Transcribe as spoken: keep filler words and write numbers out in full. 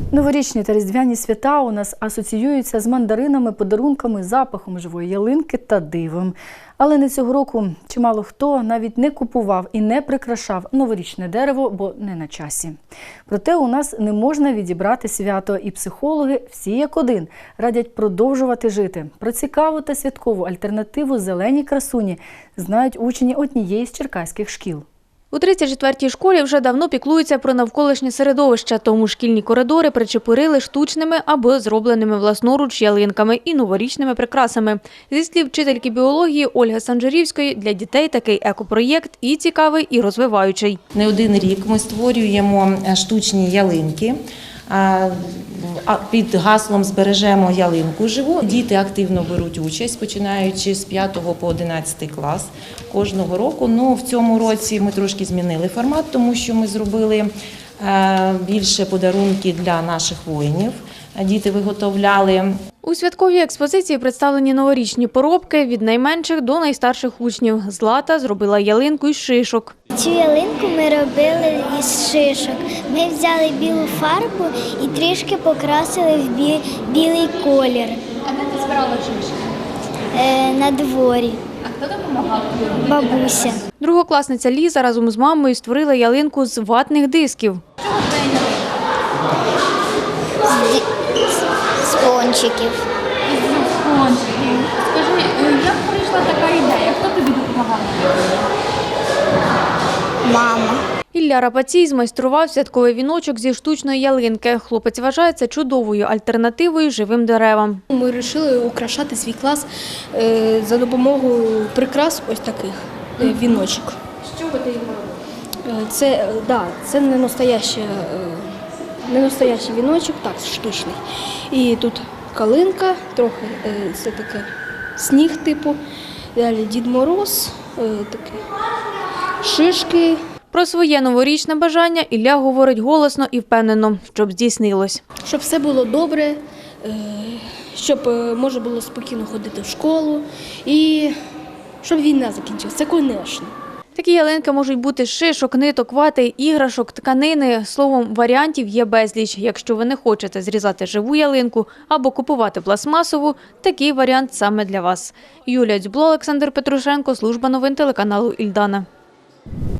Новорічні та різдвяні свята у нас асоціюються з мандаринами, подарунками, запахом живої ялинки та дивом. Але не цього року чимало хто навіть не купував і не прикрашав новорічне дерево, бо не на часі. Проте у нас не можна відібрати свято, і психологи всі як один радять продовжувати жити. Про цікаву та святкову альтернативу зеленій красуні знають учні однієї з черкаських шкіл. У тридцять четвертій школі вже давно піклуються про навколишнє середовище, тому шкільні коридори причепурили штучними або зробленими власноруч ялинками і новорічними прикрасами. Зі слів вчительки біології Ольги Санжарівської, для дітей такий екопроєкт і цікавий, і розвиваючий. Не один рік ми створюємо штучні ялинки. Під гаслом «Збережемо ялинку живу». Діти активно беруть участь, починаючи з п'ятого по одинадцятий клас кожного року. Ну, в цьому році ми трошки змінили формат, тому що ми зробили більше подарунків для наших воїнів. Діти виготовляли. У святковій експозиції представлені новорічні поробки від найменших до найстарших учнів. Злата зробила ялинку із шишок. Цю ялинку ми робили із шишок. Ми взяли білу фарбу і трішки покрасили в бі... білий колір. А де ти збирала шишки? Е, на дворі. А хто допомагав? Бабуся. Другокласниця Ліза разом з мамою створила ялинку з ватних дисків. З, з пончиків. Пончиків. Скажи, як прийшла така ідея? Хто тобі допомагав? Мама. Ілля Рапацій змайстрував святковий віночок зі штучної ялинки. Хлопець вважає це чудовою альтернативою живим деревам. Ми вирішили украшати свій клас за допомогою прикрас ось таких віночок. Що ви ти його робили? Це, да, це не настоящий, не настоящий віночок, так, штучний. І тут калинка, трохи це таке сніг типу, далі Дід Мороз, таке, шишки. Про своє новорічне бажання Ілля говорить голосно і впевнено, щоб здійснилось. Щоб все було добре, щоб можна було спокійно ходити в школу і щоб війна закінчилася, це, звісно. Такі ялинки можуть бути з шишок, ниток, вати, іграшок, тканини. Словом, варіантів є безліч. Якщо ви не хочете зрізати живу ялинку або купувати пластмасову, такий варіант саме для вас. Юлія Дзюбло, Олександр Петрушенко, служба новин телеканалу «Ільдана».